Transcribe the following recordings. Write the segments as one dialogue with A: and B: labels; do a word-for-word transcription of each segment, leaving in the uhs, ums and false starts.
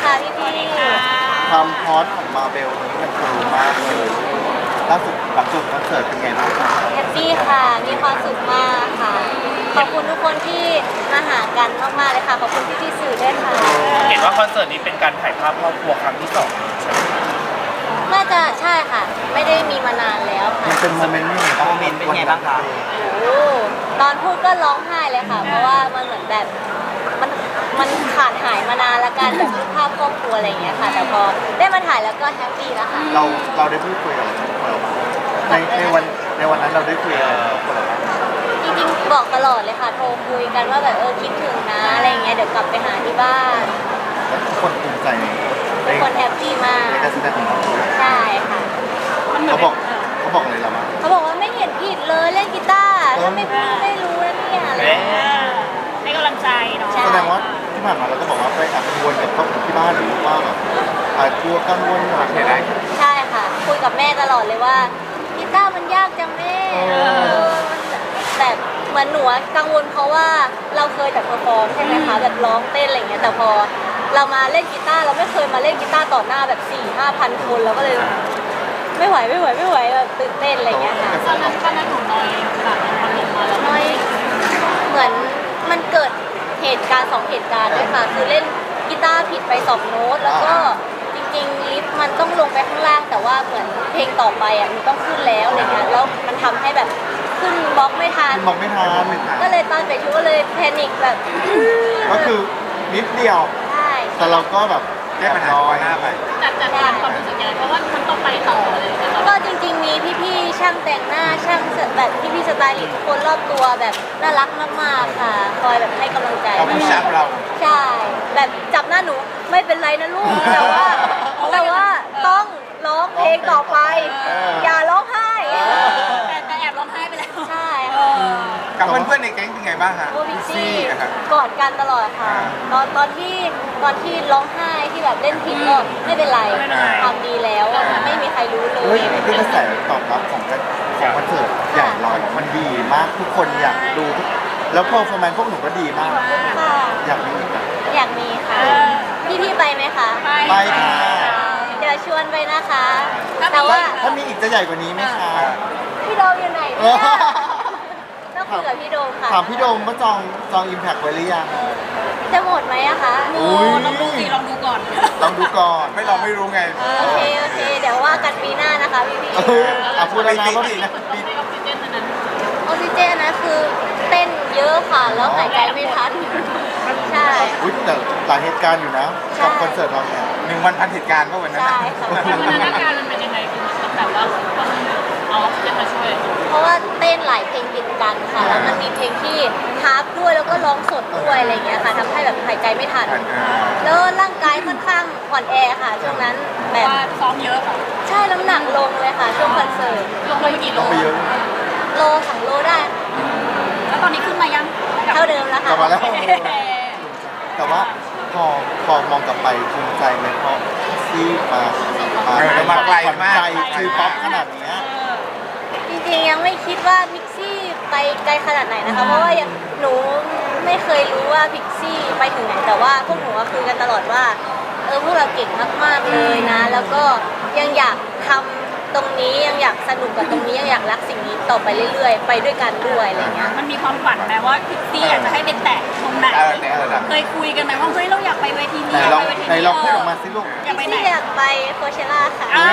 A: ค่ะพี่พี่
B: ความฮอตของมาเบลนี้มันสูงมากเลยล่าสุดหลังจบคอนเสิร์ตเป็นไงบ้างคะ
A: แฮปปี้ค่ะ มีความสุขมากค่ะ ขอบคุณทุกคนที่มาหากันมากๆเลยค่ะ ขอบคุณพี่ที่สื่อด้วยค่ะ
C: เห็นว่าคอนเสิร์ตนี้เป็นการถ่ายภาพครอบครัวครั้งที่สอง
A: น่าจะใช่ค่ะ ไม่ได้มีมานานแล้วค่ะ
B: มันเป็นโมเมนต์ยังไงบ้าง
D: โมเมนต์เป็นไงบ้างคะ
A: โอ้ตอนพูดก็ร้องไห้เลยค่ะ เพราะว่ามันเหมือนแบบมันมันขาดหายมานานแล้วกันแบบรูปภาพครอบครัวอะไรอย่างเงี้ยค่ะ แต่พอได้มาถ่ายแล้วก็แฮปปี้แล้วค่ะ
B: เราเราได้พูดคุยกับครอบครัวเราบ้างในในวันในวันนั้นเราได้คุยกับครอบครัวเราบ้าง
A: จริงๆบอกตลอดเลยค่ะ โทรคุยกันว่าแบบเออคิดถึงนะอะไรอย่างเงี้ย เดี๋ยวกลับไปหาที่บ้าน
B: แล้วทุกคนภูมิใจใน
A: ทุกคนแฮปปี้มาก
B: ในการแสดงของเรา
A: ใช่ค่ะ
B: เขาบอกเขาบอกอะไรเราบ้าง
A: เขาบอกว่าไม่เห็นผิดเลยเล่นกีตาร์ถ้าไม่พูดไม่รู้นะเนี่ยอะไรอย่างเงี้ย
E: ให้กำลังใจเนาะ
A: ใช่
B: แสดงว่าที่ผ่านมาเราก็บอกว่าไปแอบกังวลกับครอบครัวที่บ้านหรือว่าแบบอาจกลัวกังวลอะไรอย่างเงี้ย
A: ใช่ค่ะ คุยกับแม่ตลอดเลยว่ากีตาร์มันยากจังแม่เออมันแบบเหมือนหนูอะกังวลเพราะว่าเราเคยแต่เพอร์ฟอร์มใช่ไหมคะแบบร้องเต้นอะไรอย่างเงี้ยแต่พอเรามาเล่นกีตาร์เราไม่เคยมาเล่นกีตาร์ต่อหน้าแบบสี่ห้าพันคนเราก็เลย ไม่ไหวไม่ไหวไม่ไหวแบบตื่นเต้นอะไรอย่างเงี้ยค่ะ
E: ตอนนั้นตอนนั้นหนูน้อยแบบมันลงมาแล้ว
A: น้อยเหมือนมันเกิดเหตุการณ์สองเหตุการณ์ด้วยค่ะ คือเล่นกีตาร์ผิดไปสองโน้ตแล้วก็จริงๆลิฟต์มันต้องลงไปข้างล่าง แต่ว่าเหมือนเพลงต่อไปอ่ะมันต้องขึ้นแล้วอะไรเงี้ยแล้วมันทำให้แบบขึ้นบล็อกไม่ทัน
B: มองไม่ทัน
A: ก็เลยตอนไปชูก็เลยแพนิคแบบ
B: ก็คือนิดเดียว
A: ใช่
B: แต่เราก็แบบแก้ปัญหาหน้าไป
E: จัดจัดการความรู้สึกยังไงเพราะว่ามันต้องไปต่อเลยแต่เรา
A: ก็จริงๆมีพี่ๆช่างแต่งหน้าช่างแบบพี่ๆสไตลิสต์ทุกคนรอบตัวแบบน่ารักมากๆค่ะ คอยแบบให้กำลังใจ
B: เขาผู้ชักเรา
A: ใช่ แบบจับหน้าหนูไม่เป็นไรนะลูก แต่ว่าแต่ว่าต้องร้องเพลงต่อไป อย่าร้องไห้
E: แต่แต่แอบร้องไห้ไปแล้ว
A: ใช่
E: เอ
A: ค่ะ
E: อ
F: กับเพื่อนๆในแก๊งเป็นไงบ้างฮะ
A: โอพิกซี่
F: อะครับ
A: กอดกันตลอดค่ะ ตอนตอนที่ตอนที่ร้องไห้ที่แบบเล่นผิดก็ไม่เป็นไรทำดีแล้วไม่มีใครรู้เล
B: เฮ้ย
A: ย
B: ด้วยกระแสตอบรับของการของคอนเสิร์ตใหญ่เรามันดีมากทุกคนอยากดูทุกแล้วพอฟอร์แมนพวกหนูก็ดีมาก
A: ขอบคุณค่ะ
B: อยากมีอีกอะ
A: อยากมีค่ะ พี่พี่ๆไปไหมคะ
B: ไปค่ะ
A: เดี๋ยวชวนไปนะคะ แต่ว่า
B: ถ้ามีอีกจะใหญ่กว่านี้ไหมคะ
A: พี่โดมอยู่ไหนเนี่ยต้องคุยกับพี่โดมค่ะ
B: ถามพี่โดมว่าจองจองอิมแพคไว้หรือยัง
A: จะหมดไหมอะคะ
E: โอ้ลองดูสิลองดูก่อน
B: ลองดูก่อน
F: ไม่ลองไม่รู้ไง
A: โอเคโอเค เดี๋ยวว่ากันปีหน้านะคะพี่พี่
B: เอออ่ะพูดแล้วนะว่าปีนะปี
E: ในออกซิเจนอันนั้น
A: ออกซิเจนนะคือเต้นเยอะค่ะ แล้วหายใจไม่ทัน ใช่
B: อุ๊ยแต่หลายเหตุการณ์อยู่นะ
A: ใช่
B: กับคอนเสิร์ตเราเนี่ย
F: หนึ่งวันพันเหตุการณ์ก็วันนั้น
A: ใช่
F: น่ะ
A: ค่ะ
E: พัฒนาการมันเป็นยังไงคือมันแบบว่าต้องเอาออกซิเจนมาช่วย
A: เพราะว่าเต้นหลายเพลงติดกันค่ะ แล้วมันมีเพลงที่ฮาร์ปด้วยแล้วก็ร้องสดด้วยอะไรอย่างเงี้ยค่ะทำให้แบบหายใจไม่ทัน แล้วร่างกายค่อนข้างอ่อนแอค่ะ ช่วงนั้นแบบ
E: ว่าซ้อมเยอะค่ะ
A: ใช่น้ำหนักลงเลยค่ะ ช่วงคอนเสิร์ต
E: ลงไปกี่โล
B: ต้องไปเยอะ
A: โลสองโลได้
E: แล้วตอนนี้ขึ้นมายัง
A: เท่าเดิมแล้ว
B: กลั
A: ค่ะ
B: บมาแล้ว แต่ว่าพอพอมองกลับไปภูมิใจไหมเพราะที่มา
F: เออเรามาไกลมาก
B: ใจคือป๊อปขนาดเนี้ย
A: จริงๆยังไม่คิดว่าพิกซี่ไปไกลขนาดไหนนะคะ เพราะว่ายังหนูไม่เคยรู้ว่าพิกซี่ไปถึงไหน แต่ว่าพวกหนูก็คุยกันตลอดว่าเออพวกเราเก่งมากๆเลยนะ แล้วก็ยังอยากทำตรงนี้ยังอยากสนุกกับตรงนี้ยังอยากรักสิ่งนี้ต่อไปเรื่อยๆ ไปด้วยกันด้วยอะไรเงี้ย
E: มันมีความฝันไหมว่าพิกซี่อยากจะให้เป็นแตะตรงไหน
F: เออแต่ระดับ
E: เคยคุยกันไหมว่าเฮ้ยเราอยากไปเวที
B: ไหน
E: นี้อยาก
B: ลอง
E: ไปเวที
B: ไหน
E: นี้
B: ลองพูดออกมาสิลูก
E: อยากไป
A: พิก
E: ไหน
A: ซี่อยากไปโคเชล่าค่ะ
E: อ่า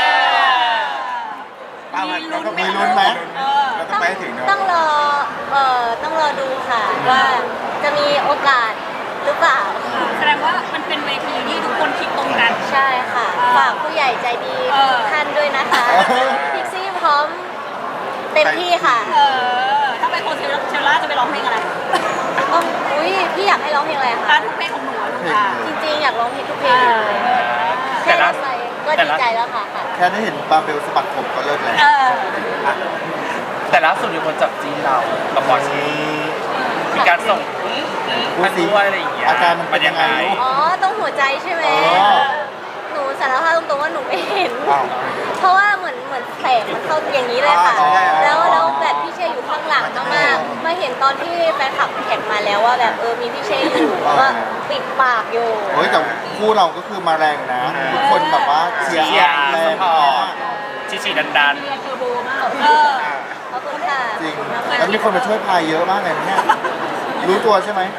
F: ป้ามันเราก็
B: มีลุ้นไหม
E: เออ
F: เราต้องไปให้ถึงเนาะ
A: ต้องรอเอ่อต้องรอดูค่ะว่าจะมีโอกาสหรือเปล่า
E: แสดงว่ามันเป็นเวทีที่ทุกคนคิดตรงกัน
A: ใช่ค่ะ ฝากผู้ใหญ่ใจดี
E: เออ
A: ทุกท่านด้วยนะคะ
B: เออ
A: พิกซี่พร้อมเต็มที่ค่ะ
E: เออถ้าไปโคเชล่าจะไปร้องเพลงอะไร
A: ต้องอุ้ยพี่อยากให้ร้องเพลงอะไร
E: อ่ะ
A: คะ
E: ทุกเพลงของหนูอะลูก
B: เพลง
E: อ่ะ
B: เลย
A: จริงๆ อยากร้องเพลงทุกเพลงเลยแค่ได้ไปก็ดีใจแล้วค่ะค่ะ
B: แค่ได้เห็นบาเบลสะบัดผมก็เลิศแล้ว
E: เออ
C: แต่ล่าสุดมีคนจับจีนเรากับบอสมีการส่ง
B: พูด
C: มัน
B: สิ
C: ด้วยอะไรอย่างเงี้ย
B: อาการมันเป็นยังไงลูก
A: อ๋อต้องหัวใจใช่ไหม
B: อ๋อ
A: หนูสารภาพตรงๆว่าหนูไม่เห็น
B: อ้าว
A: เพราะว่าเหมือนเหมือนแสงมันเข้าอย่างนี้เลยค่ะ
B: อ๋อใช่ๆ
A: แล้วแล้วแบบพี่เชยอยู่ข้างหลังมากๆมาเห็นตอนที่แฟนคลับแท็กมาแล้วว่าแบบเออมีพี่เชยอยู่ว่าปิดปากอยู่
B: เฮ้ยแต่คู่เราก็คือมาแรงนะ ทุกคนแบบว่าเชียร์
C: เชียร์
B: แร
C: ส
B: ง
C: ปอ
B: มา
C: ร์ต
B: ก
C: ชิชิดันดัน
E: เทอร์โบมากเออ
A: ขอบคุณค่ะ
B: จริง แล้วมีคนมาช่วยพายเยอะมากเลยนะเนี่ยรู้ตัวใช่ไหม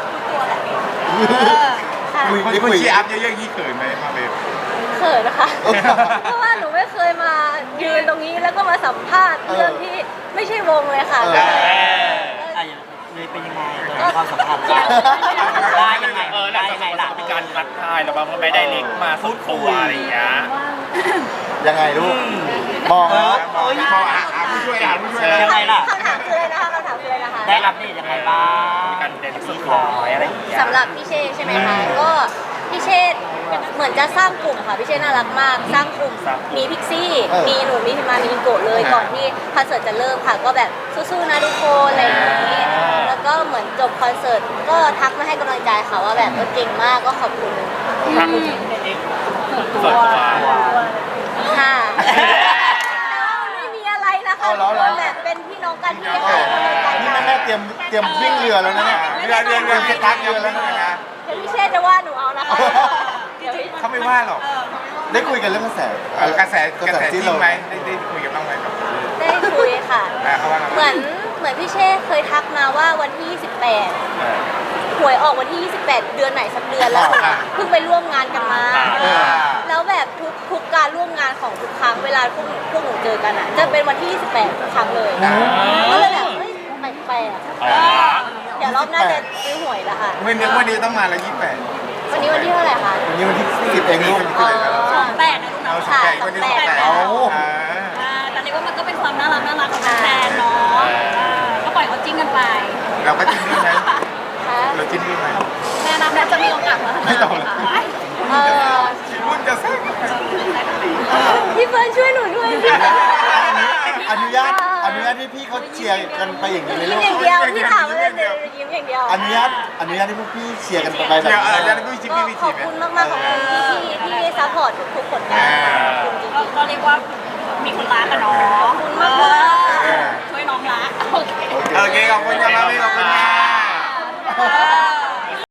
A: ค่ะ
B: คุย
F: คน
B: ได้
F: คน
B: คุย
F: เชียร์อัพเยอะๆยี่เขินไหมมาเบล
A: เขินนะคะ เพราะว่าหนูไม่เคยมายืนตรงนี้แล้วก็มาสัมภาษณ์เรื่องที่ไม่ใช่วงเลยค่ะ
B: เออ
A: ก็
D: อ่ะเลยเป็นยังไงตอนความสัมพันธ์ได้ยังไง
C: เออหลั
D: ได้
C: งจาก
D: ยังไง
C: นั้น
D: ล่ะ
C: ก็มีการทักทายแล้วบางคนไม่ได้เล็กมาสุดตัวอะไรอย่างเงี้ย
B: ยังไงลูก มองแล้ว
F: มองมองอ่ะอ่ะผู้ช่วยอ่ะผู้ช่วย
D: ยังไงล่ะ
A: คำถามคืออะไรนะคะคำถามคืออะไรนะคะ
D: ได้อัปเดตยังไงบ้าง
C: มีการเดนสุดร้อยอะไรอย่างเงี้ย
A: สำหรับพี่เชษใช่ไหมคะก็พี่เชษเหมือนจะสร้างกลุ่มค่ะพี่เชษน่ารักมาก สร้างกลุ่มมีพิกซี่
B: เออ
A: มีหนูมีพิมามีอิงโกะเลยก่อนที่คอนเสิร์ตจะเริ่มค่ะ ก็แบบสู้ๆนะทุกคนอะไรอย่างนี้ แล้วก็เหมือนจบคอนเสิร์ตก็ทักมาให้กำลังใจค่ะว่าแบบเออเก่งมากก็ขอบคุณ
C: ทักส่วนตัว
A: ค่ะแต่ว่ามันไม่มีอะไรนะคะ
B: เอาเหร
A: ทุ
B: อก เหร
A: ค
B: อ
A: นแบบเป็นพี่น้องกันที่ให้กำลังใจ
B: นี่
A: กั
B: แม่
A: น
B: แม่เตรียมเตรียมวิ่งเรือแล้วนะเนี่ย
F: เรือเรือเรือจะทักเรือแล้วนะ
A: เดี๋ยวพี่เชษจะว่าหนูเอานะคะเดี๋ยวพี่
F: เขาไม่ว่าหรอก
B: ได้คุยกันเรื่องกระแส
F: เออกระแสกระแส
B: ที่
F: จริ
B: เรา
F: งไหมได้ได้คุยกับน้องไหมครับ
A: ได้คุยค่ะ
F: อ่ะเขาว่าไง
A: เหมือนเหมือนพี่เช่เคยทักมาว่าวันที่ยี่สิบแปดหวยออกวันที่ยี่สิบแปดเดือนไหนสักเดือนแล้วเพิ่งไปร่วมงานกันมา แล้วแบบทุกทุกการร่วมงานของทุกครั้งเวลาพวกหนูพวกหนูเจอกันอ่ะจะเป็นวันที่ยี่สิบแปดทุกครั้งเลยก็เลยแบบเฮ้ยแปลก
C: อ๋อ
A: ๆเดี๋ยวรอบหน้าจะซื้อหวยละค่ะ
F: วันนี้วันนี้ต้องมาแล้วยี่สิบแปด
A: วันนี้วันที่เท่าไหร่คะ
B: วันนี้วันที่สิบเองลูก
A: อ๋อ
E: แปดนะลูก
F: เอา
E: เนาะ
F: สองแปดวันนี้สองแปด
B: เอา
F: อ่า
E: อ่าแต่เรียกว่ามันก็เป็นความน่ารักน่ารักของแฟนเนาะอ่าก็ปล่อยเขาจิ้งกันไป
F: เราก็จิ้นด้วยไหม
A: ค่ะ
F: เราจิ้นด้วยไหม
E: แม่นับแล้วจะมีโอกาสมาทำ
F: ไม่ต้อง
E: ไหมคะ
A: เออ
F: รุ่นจะแซ่บ
A: พี่เฟิร์นช่วยหนูด้วยพี่
B: อนุญาตอนุญาตให้พี่เขาเชียร์กันไปอย่างนี้เลย
A: ยิ้
B: ลู
A: ม
B: ก
A: อย่างเดียวพี่ถามมาเลยยิ้มอย่างเดียว
B: อนุญาตอนุญาตให้พวกพี่เชียร์กันไปแบบ
F: เดี๋ยวเออ
B: นี้
F: จะได้ไม่จิ้ม
A: ก็
F: ไม่
A: ข
F: จิ้
A: อ
F: ม
A: บคุณมากๆขอบคุณที่ที่ซัพพอร์ตทุกๆผลงานขอบคุณจริง
E: ก็ก็เรียกว่ามีคนรักกันเนาะ
A: ขอบคุณมาก
E: เออช่วยน้องรักโอเค
F: โอเคขอบคุณครับพี่ขอบคุณค่ะ
E: เออ